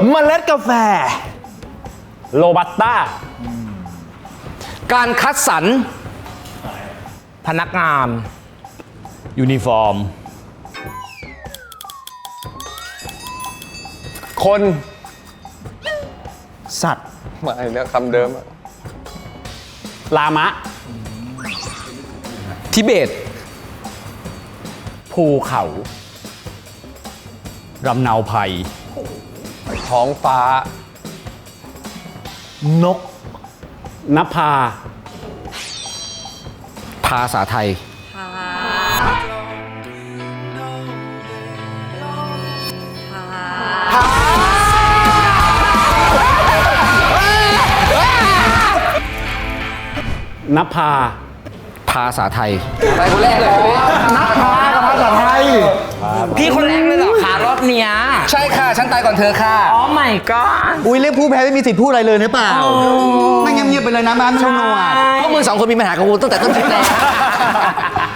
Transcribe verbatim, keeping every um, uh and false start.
เมล็ดกาแฟโรบัสต้าการคัดสรรพนักงานยูนิฟอร์มคนสัตว์มาอีกแล้วคำเดิมอะลามะ ทิเบต ภูเขารำเนาภัยท้องฟ้านกนภา ภาษาไทย นภา ภาษาไทยไปคนแรกเลยนักพากับภาษาไทยพี่คนแรกเลยเหรอคะรอบเนี้ยใช่ค่ะ ฉันตายก่อนเธอค่ะ อ๋อไม่ก็อุ้ยเรียกผู้แพ้ไม่มีสิทธิ์พูดอะไรเลยหรือเปล่าไม่เงียบๆไปเลยนะมาไม่รู้หนวดพวกมึงสองคนมีปัญหากับกูตั้งแต่ต้นคลิปแล้ว